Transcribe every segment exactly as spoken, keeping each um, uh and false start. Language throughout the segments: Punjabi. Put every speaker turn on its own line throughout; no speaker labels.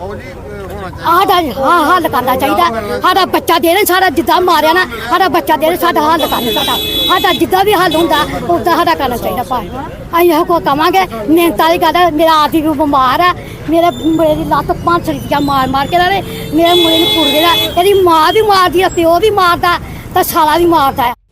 ਸਾਡਾ ਹਾਂ ਹੱਲ ਕਰਨਾ ਚਾਹੀਦਾ। ਸਾਡਾ ਬੱਚਾ ਦੇ ਰਹੇ ਸਾਡਾ ਜਿੱਦਾਂ ਮਾਰਿਆ ਨਾ ਸਾਡਾ ਬੱਚਾ ਦੇ ਰਹੇ ਸਾਡਾ ਹੱਲ ਕਰਨਾ ਸਾਡਾ ਸਾਡਾ ਜਿੱਦਾਂ ਵੀ ਹੱਲ ਹੁੰਦਾ ਉੱਦਾਂ ਸਾਡਾ ਕਰਨਾ ਚਾਹੀਦਾ ਭਾਈ। ਅਸੀਂ ਇਹੋ ਕੋ ਕਵਾਂਗੇ ਮਿਹਨਤ ਵਾਲੀ ਗੱਲ ਹੈ। ਮੇਰਾ ਆਦਮੀ ਵੀ ਬਿਮਾਰ ਹੈ, ਮੇਰੇ ਮੁੰਡੇ ਦੀ ਲੱਤ ਪੰਜ ਸਰੀਆਂ ਮਾਰ ਮਾਰ ਕੇ ਰਹੇ, ਮੇਰੇ ਮੁੰਡੇ ਨੂੰ ਕੁੜ ਦੇਣਾ, ਇਹਦੀ ਮਾਂ ਵੀ ਮਾਰਦੀ ਹੈ, ਪਿਓ ਵੀ ਮਾਰਦਾ ਤੇ ਸਾਲਾ ਵੀ ਮਾਰਦਾ ਹੈ।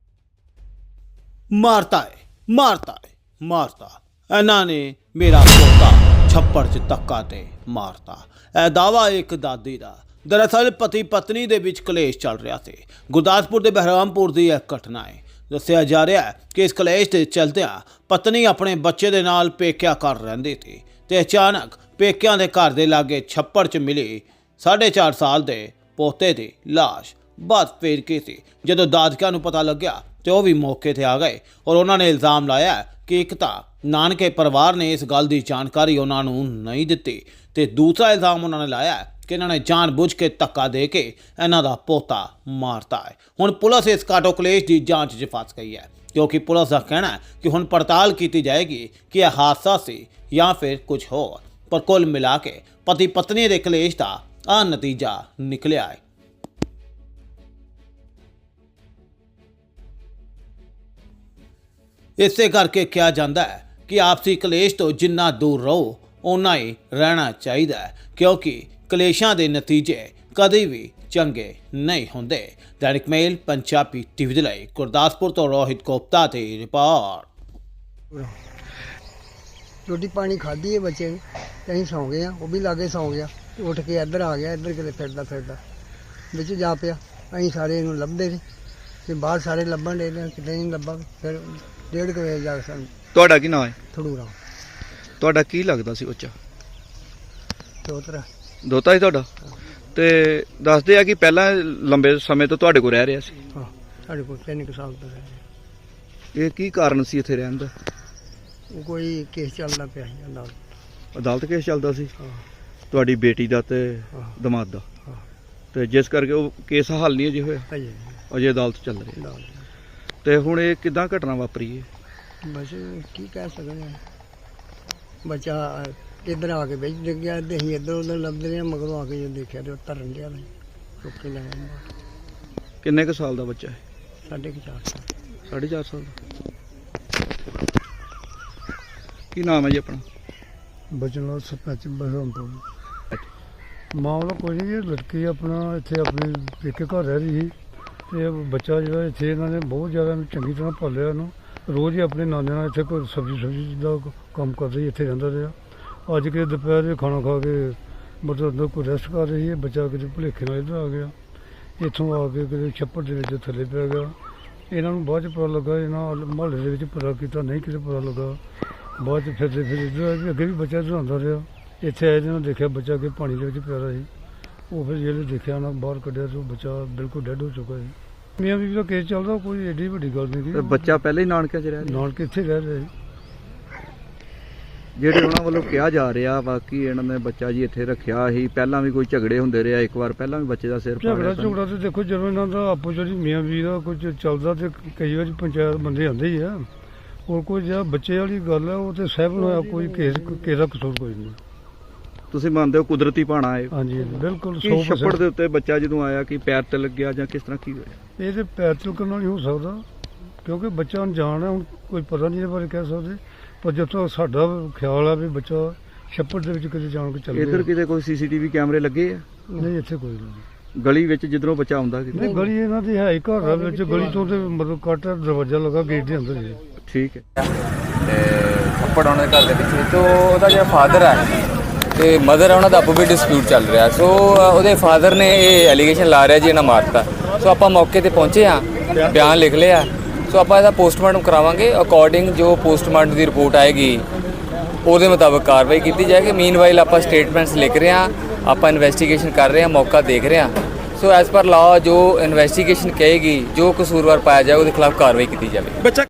ਮਾਰਤਾ ਹੈ ਮਾਰਤਾ ਹੈ ਮਾਰਤਾ ਇਹਨਾਂ ਨੇ ਮੇਰਾ ਪੋਤਾ ਛੱਪੜ 'ਚ ਧੱਕਾ ਤੇ ਮਾਰਤਾ। ਇਹ ਦਾਵਾ ਇੱਕ ਦਾਦੀ ਦਾ। ਦਰਅਸਲ ਪਤੀ ਪਤਨੀ ਦੇ ਵਿੱਚ ਕਲੇਸ਼ ਚੱਲ ਰਿਹਾ ਸੀ। ਗੁਰਦਾਸਪੁਰ ਦੇ ਬਹਿਰਾਮਪੁਰ ਦੀ ਇਹ ਘਟਨਾ ਹੈ। ਦੱਸਿਆ ਜਾ ਰਿਹਾ ਹੈ ਕਿ ਇਸ ਕਲੇਸ਼ ਦੇ ਚਲਦਿਆਂ ਪਤਨੀ ਆਪਣੇ ਬੱਚੇ ਦੇ ਨਾਲ ਪੇਕਿਆਂ ਘਰ ਰਹਿੰਦੀ ਸੀ ਤੇ ਅਚਾਨਕ ਪੇਕਿਆਂ ਦੇ ਘਰ ਦੇ ਲਾਗੇ ਛੱਪੜ 'ਚ ਮਿਲੀ ਸਾਢੇ ਚਾਰ ਸਾਲ ਦੇ ਪੋਤੇ ਦੀ ਲਾਸ਼। ਬਾਤ ਫੇਰ ਕੀ ਸੀ ਜਦੋਂ ਦਾਦਕਿਆਂ ਨੂੰ ਪਤਾ ਲੱਗਿਆ ਤੇ ਉਹ ਵੀ ਮੌਕੇ ਤੇ ਆ ਗਏ ਔਰ ਉਹਨਾਂ ਨੇ ਇਲਜ਼ਾਮ ਲਾਇਆ ਕਿ ਇੱਕ ਤਾਂ ਨਾਨਕੇ ਪਰਿਵਾਰ ਨੇ ਇਸ ਗੱਲ ਦੀ ਜਾਣਕਾਰੀ ਉਹਨਾਂ ਨੂੰ ਨਹੀਂ ਦਿੱਤੀ ਤੇ ਦੂਸਰਾ ਇਲਜ਼ਾਮ ਉਹਨਾਂ ਨੇ ਲਾਇਆ ਕਿ ਇਹਨਾਂ ਨੇ ਜਾਣਬੁੱਝ ਕੇ ਧੱਕਾ ਦੇ ਕੇ ਇਹਨਾਂ ਦਾ ਪੋਤਾ ਮਾਰਤਾ ਹੈ। ਹੁਣ ਪੁਲਿਸ ਇਸ ਕਾਟੋ ਕਲੇਸ਼ ਦੀ ਜਾਂਚ 'ਚ ਫਸ ਗਈ ਹੈ ਕਿਉਂਕਿ ਪੁਲਿਸ ਦਾ ਕਹਿਣਾ ਹੈ ਕਿ ਹੁਣ ਪੜਤਾਲ ਕੀਤੀ ਜਾਏਗੀ ਕਿ ਇਹ ਹਾਦਸਾ ਸੀ ਜਾਂ ਫਿਰ ਕੁਝ ਹੋਰ। ਪਰ ਕੁੱਲ ਮਿਲਾ ਕੇ ਪਤੀ ਪਤਨੀ ਦੇ ਕਲੇਸ਼ ਦਾ ਆਹ ਨਤੀਜਾ ਨਿਕਲਿਆ ਹੈ। ਇਸੇ ਕਰਕੇ ਕਿਹਾ ਜਾਂਦਾ ਹੈ ਕਿ ਆਪਸੀ ਕਲੇਸ਼ ਤੋਂ ਜਿੰਨਾ ਦੂਰ ਰਹੋ ਓਨਾ ਹੀ ਰਹਿਣਾ ਚਾਹੀਦਾ ਹੈ ਕਿਉਂਕਿ ਕਲੇਸ਼ਾਂ ਦੇ ਨਤੀਜੇ ਕਦੇ ਵੀ ਚੰਗੇ ਨਹੀਂ ਹੁੰਦੇ। ਦੈਨਿਕ ਮੇਲ ਪੰਜਾਬੀ ਟੀਵੀ ਦੇ ਲਈ ਗੁਰਦਾਸਪੁਰ ਤੋਂ ਰੋਹਿਤ ਗੁਪਤਾ ਦੀ ਰਿਪੋਰਟ।
रोटी पानी खाधी है बच्चे ने ते असीं सौ गए हैं, वो भी लागे सौ गया ते उठ के इधर आ गया, इधर किते फिरदा फिरदा बिच जा पिया। असीं सारे इहनूं लभदे सी ते बाहर सारे लभण डे ने, किते नहीं लभा। फिर डेढ़ कु बजे जा के सानूं
ਤੁਹਾਡਾ ਕੀ ਨਾਮ ਹੈ?
थड़ूरा
ਤੁਹਾਡਾ ਕੀ ਲੱਗਦਾ ਸੀ ਬੱਚਾ?
चौतरा
ਦੋਤਾ ਸੀ ਤੁਹਾਡਾ? ਤੇ ਦੱਸਦੇ ਆ ਕਿ ਪਹਿਲਾਂ ਲੰਬੇ ਸਮੇਂ ਤੋਂ ਤੁਹਾਡੇ ਕੋਲ ਰਹਿ ਰਿਹਾ ਸੀ।
हाँ साढ़े कोल तीन कुछ साल तो रह
ਇਹ ਕੀ ਕਾਰਨ ਸੀ ਇੱਥੇ ਰਹਿਣ ਦਾ?
वो कोई केस चलदा पिया सी अदालत।
ਅਦਾਲਤ ਕੇਸ ਚੱਲਦਾ ਸੀ
हाँ
ਤੁਹਾਡੀ ਬੇਟੀ ਦਾ ਤੇ
हाँ
ਦਮਾਦ ਦਾ,
हाँ
ਤੇ ਜਿਸ ਕਰਕੇ ਉਹ ਕੇਸ ਹੱਲ ਨਹੀਂ ਅਜੇ ਹੋਇਆ,
अजे
ਅਜੇ ਅਦਾਲਤ ਚੱਲ ਰਹੀ ਹੈ।
अदालत
ਤੇ ਹੁਣ ਇਹ ਕਿੱਦਾਂ ਘਟਨਾ ਵਾਪਰੀ ਹੈ?
बस की कह सकते हैं। बच्चा इधर आके बेच डिग गया ते असीं इधर उधर लभदे रहे, मगरों आके जो देखा तो तरन दिया चुक के ले आए।
ਕਿੰਨੇ ਕੁ ਸਾਲ ਦਾ ਬੱਚਾ ਹੈ?
साढ़े के चार साल
ਸਾਢੇ ਚਾਰ ਸਾਲ ਦਾ। ਕੀ ਨਾਮ ਹੈ ਜੀ ਆਪਣਾ?
ਬਚਨ ਸਰਪੰਚ ਬਹਿਰਾਮਪੁਰ। ਮਾਮਲਾ ਕੋਈ ਨਹੀਂ, ਇਹ ਲੜਕੀ ਆਪਣਾ ਇੱਥੇ ਆਪਣੇ ਪੇਕੇ ਘਰ ਰਹਿ ਰਹੀ ਸੀ ਤੇ ਬੱਚਾ ਜਿਹੜਾ ਇੱਥੇ ਇਹਨਾਂ ਨੇ ਬਹੁਤ ਜ਼ਿਆਦਾ ਇਹਨੂੰ ਚੰਗੀ ਤਰ੍ਹਾਂ ਪਾਲਿਆ। ਇਹਨੂੰ ਰੋਜ਼ ਹੀ ਆਪਣੇ ਨਾਨੇ ਨਾਲ ਇੱਥੇ ਕੋਈ ਸਬਜ਼ੀ ਸਬਜ਼ੀ ਦਾ ਕੰਮ ਕਰ ਰਹੀ, ਇੱਥੇ ਰਹਿੰਦਾ ਰਿਹਾ। ਅੱਜ ਕੇ ਦੁਪਹਿਰ ਦੇ ਖਾਣਾ ਖਾ ਕੇ ਮਤਲਬ ਅੰਦਰ ਕੋਈ ਰੈਸਟ ਕਰ ਰਹੀ ਹੈ। ਬੱਚਾ ਕਿਤੇ ਭੁਲੇਖੇ ਨਾਲ ਇੱਧਰ ਆ ਗਿਆ, ਇੱਥੋਂ ਆ ਕੇ ਕਿਤੇ ਛੱਪੜ ਦੇ ਵਿੱਚ ਥੱਲੇ ਪੈ ਗਿਆ। ਇਹਨਾਂ ਨੂੰ ਬਾਅਦ 'ਚ ਪਤਾ ਲੱਗਾ, ਇਹਨਾਂ ਮੁਹੱਲੇ ਦੇ ਵਿੱਚ ਪਤਾ ਕੀਤਾ, ਨਹੀਂ ਕਿਤੇ ਪਤਾ ਲੱਗਾ। ਬਾਅਦ 'ਚ ਫਿਰਦੇ ਫਿਰ ਇੱਧਰ ਆ ਕੇ ਅੱਗੇ ਵੀ ਬੱਚਾ ਇੱਧਰ ਆਉਂਦਾ ਰਿਹਾ। ਇੱਥੇ ਆਏ ਜਿਹਨਾਂ ਦੇਖਿਆ ਬੱਚਾ ਕਿ ਪਾਣੀ ਦੇ ਵਿੱਚ ਪਿਆ ਰਿਹਾ ਸੀ। ਉਹ ਫਿਰ ਜਿਹੜੇ ਦੇਖਿਆ ਨਾ ਬਾਹਰ ਕੱਢਿਆ ਤਾਂ ਬੱਚਾ ਬਿਲਕੁਲ ਡੈੱਡ ਹੋ ਚੁੱਕਾ ਸੀ। ਮੀਆਂ ਬੀਵੀ ਦਾ ਕੇਸ ਚੱਲਦਾ, ਕੋਈ ਐਡੀ ਵੱਡੀ ਗੱਲ ਨਹੀਂ
ਤੇ
ਸੀ।
ਬੱਚਾ ਪਹਿਲਾਂ ਹੀ ਨਾਨਕਿਆਂ 'ਚ ਰਹਿ ਰਿਹਾ?
ਨਾਲ ਕਿੱਥੇ ਰਹਿ ਰਿਹਾ ਸੀ।
ਜਿਹੜੇ ਉਹਨਾਂ ਵੱਲੋਂ ਕਿਹਾ ਜਾ ਰਿਹਾ ਬਾਕੀ ਇਹਨਾਂ ਨੇ ਬੱਚਾ ਜੀ ਇੱਥੇ ਰੱਖਿਆ ਸੀ, ਪਹਿਲਾਂ ਵੀ ਕੋਈ ਝਗੜੇ ਹੁੰਦੇ ਰਿਹਾ, ਇੱਕ ਵਾਰ ਪਹਿਲਾਂ ਵੀ ਬੱਚੇ ਦਾ ਸਿਰ
ਝਗੜਾ
ਪਾੜਿਆ।
ਝਗੜਾ ਤੇ ਦੇਖੋ ਜਦੋਂ ਇਹਨਾਂ ਦਾ ਆਪੋ ਜਿਹੜੀ ਮੀਆਂ ਬੀਵੀ ਦਾ ਕੁਝ ਚੱਲਦਾ ਤੇ ਕਈ ਵਾਰੀ ਪੰਚਾਇਤ ਬੰਦੇ ਆਉਂਦੇ ਹੀ ਆ। ਹੋਰ ਕੋਈ ਜਿਹੜਾ ਬੱਚੇ ਵਾਲੀ ਗੱਲ ਹੈ ਉਹ ਤੇ ਸਹਿਬ ਨੂੰ ਹੋਇਆ, ਕੋਈ ਕੇਸ ਕਿਸੇ ਦਾ ਕਸੂਰ ਕੋਈ ਨਹੀਂ।
ਤੁਸੀਂ ਮੰਨਦੇ ਹੋ ਕੁਦਰਤੀ ਪਾਣਾ ਹੈ?
ਹਾਂਜੀ ਬਿਲਕੁਲ
ਕੀ
ਸੌ
ਛੱਪੜ
percent।
ਦੇ ਉੱਤੇ ਬੱਚਾ ਜਦੋਂ ਆਇਆ ਕਿ ਪੈਰ ਤੇ ਲੱਗਿਆ ਜਾਂ ਕਿਸ ਤਰ੍ਹਾਂ ਕੀ ਹੋਇਆ?
ਇਹ ਤੇ ਪੈਰ ਤਿਲਕਣ ਨਾਲ ਹੀ ਹੋ ਸਕਦਾ ਕਿਉਂਕਿ ਬੱਚਾ ਅਣਜਾਣ ਹੈ, ਹੁਣ ਕੋਈ ਪਤਾ ਨਹੀਂ ਇਹਦੇ ਬਾਰੇ ਕਹਿ ਸਕਦੇ। ਪਰ ਜਦੋਂ ਸਾਡਾ ਖਿਆਲ ਆ ਵੀ ਬੱਚਾ ਛੱਪੜ ਦੇ ਵਿੱਚ ਕਿਤੇ ਜਾਣ ਕੇ ਚੱਲ ਗਿਆ।
ਇੱਧਰ ਕਿਤੇ ਕੋਈ ਸੀਸੀਟੀਵੀ ਕੈਮਰੇ ਲੱਗੇ ਆ?
ਨਹੀਂ ਇੱਥੇ ਕੋਈ ਨਹੀਂ।
ਗਲੀ ਵਿੱਚ ਜਿੱਧਰੋਂ ਬੱਚਾ ਆਉਂਦਾ ਕਿਤੇ?
ਨਹੀਂ ਗਲੀ ਇਹਨਾਂ ਦੀ ਹੈ ਹੀ ਘਰ ਦੇ ਵਿੱਚ, ਗਲੀ ਤੋਂ ਤੇ ਮਤਲਬ ਕੱਟ ਦਰਵਾਜ਼ਾ ਲੱਗਾ ਗੇਟ ਦੇ ਅੰਦਰ ਹੀ।
ਠੀਕ ਹੈ।
ਤੇ ਛੱਪੜ ਉਹਨਾਂ ਦੇ ਘਰ ਦੇ ਪਿੱਛੇ ਤੋਂ ਉਹਦਾ ਜਿਹੜਾ ਫਾਦਰ ਹੈ ਤੇ ਮਦਰ ਹੈ, ਉਹਨਾਂ ਦਾ ਆਪੋ ਵੀ ਡਿਸਪਿਊਟ ਚੱਲ ਰਿਹਾ। ਸੋ ਉਹਦੇ ਫਾਦਰ ਨੇ ਇਹ ਐਲੀਗੇਸ਼ਨ ਲਾ ਰਿਹਾ ਜੀ ਇਹਨਾਂ ਮਾਰਤਾ। ਸੋ ਆਪਾਂ ਮੌਕੇ ਤੇ ਪਹੁੰਚੇ ਹਾਂ, ਬਿਆਨ ਲਿਖ ਲਿਆ। ਸੋ ਆਪਾਂ ਇਹਦਾ ਪੋਸਟਮਾਰਟਮ ਕਰਾਵਾਂਗੇ। ਅਕੋਰਡਿੰਗ ਜੋ ਪੋਸਟਮਾਰਟਮ ਦੀ ਰਿਪੋਰਟ ਆਏਗੀ ਉਹਦੇ ਮੁਤਾਬਕ ਕਾਰਵਾਈ ਕੀਤੀ ਜਾਏਗੀ। ਮੀਨਵਾਈਲ ਆਪਾਂ ਸਟੇਟਮੈਂਟਸ ਲਿਖ ਰਹੇ ਹਾਂ, ਆਪਾਂ ਇਨਵੈਸਟੀਗੇਸ਼ਨ ਕਰ ਰਹੇ ਹਾਂ, ਮੌਕਾ ਦੇਖ ਰਹੇ ਹਾਂ। ਸੋ ਐਜ਼ ਪਰ ਲਾਅ ਜੋ ਇਨਵੈਸਟੀਗੇਸ਼ਨ ਕਹੇਗੀ, ਜੋ ਕਸੂਰਵਾਰ ਪਾਇਆ ਜਾਏ ਉਹਦੇ ਖਿਲਾਫ ਕਾਰਵਾਈ ਕੀਤੀ ਜਾਵੇ।